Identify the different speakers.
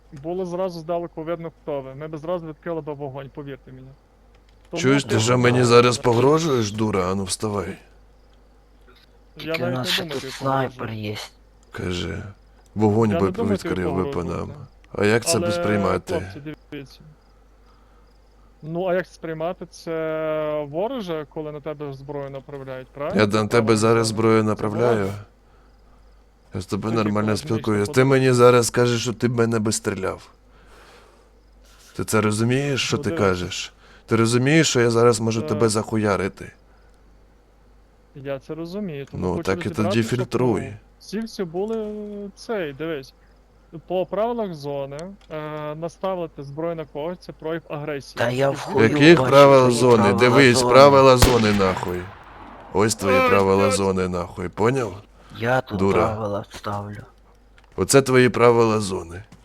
Speaker 1: було зразу здалеку видно, хто ви. Ми б зразу відкрили б вогонь, повірте мені. Тому
Speaker 2: Чуєш, ти що мені зараз погрожуєш, дура? Ану вставай.
Speaker 1: Я
Speaker 3: Тільки у
Speaker 1: навіть
Speaker 3: нас
Speaker 1: не
Speaker 3: ще
Speaker 1: думаю,
Speaker 3: тут
Speaker 1: ти
Speaker 3: снайпер
Speaker 1: погрожуєш.
Speaker 3: є.
Speaker 2: Каже. Вогонь
Speaker 1: Я
Speaker 2: би
Speaker 1: не думаю, тобі
Speaker 2: відкрив би по
Speaker 1: погрожувати.
Speaker 2: нам. А як це
Speaker 1: Але,
Speaker 2: сприймати?
Speaker 1: хлопці, дивіться. Ну, а як це сприймати? Це вороже, коли на тебе зброю направляють, правильно?
Speaker 2: Я
Speaker 1: По
Speaker 2: на тебе
Speaker 1: правилам
Speaker 2: зараз
Speaker 1: зони.
Speaker 2: зброю
Speaker 1: Це
Speaker 2: направляю.
Speaker 1: вороже.
Speaker 2: Я з тобою
Speaker 1: Тоді
Speaker 2: нормально
Speaker 1: коли
Speaker 2: спілкуюсь.
Speaker 1: зміщено
Speaker 2: Ти мені
Speaker 1: подивитися.
Speaker 2: зараз скажеш, що ти б мене би стріляв. Ти це розумієш, що
Speaker 1: Ну,
Speaker 2: ти
Speaker 1: дивися.
Speaker 2: кажеш? Ти розумієш, що я зараз можу
Speaker 1: Так.
Speaker 2: тебе захуярити?
Speaker 1: Я це розумію. Тому
Speaker 2: Ну,
Speaker 1: хочу
Speaker 2: так і
Speaker 1: розібрати,
Speaker 2: тоді
Speaker 1: щоб,
Speaker 2: фільтруй.
Speaker 1: ну, всі були цей, дивись. По правилах зони наставити зброю на когось це прояв агресії.
Speaker 3: Та я
Speaker 1: І
Speaker 3: в
Speaker 1: звідси-
Speaker 3: хуй
Speaker 2: Яких
Speaker 3: бачу
Speaker 2: правил
Speaker 3: твої
Speaker 2: зони?
Speaker 3: правила
Speaker 2: Дивись,
Speaker 3: зони.
Speaker 2: правила зони нахуй. Ось твої
Speaker 1: Ай,
Speaker 2: правила
Speaker 1: блядь.
Speaker 2: зони нахуй, поняв?
Speaker 3: Я тут
Speaker 2: Дура.
Speaker 3: правила ставлю.
Speaker 2: Оце твої правила зони.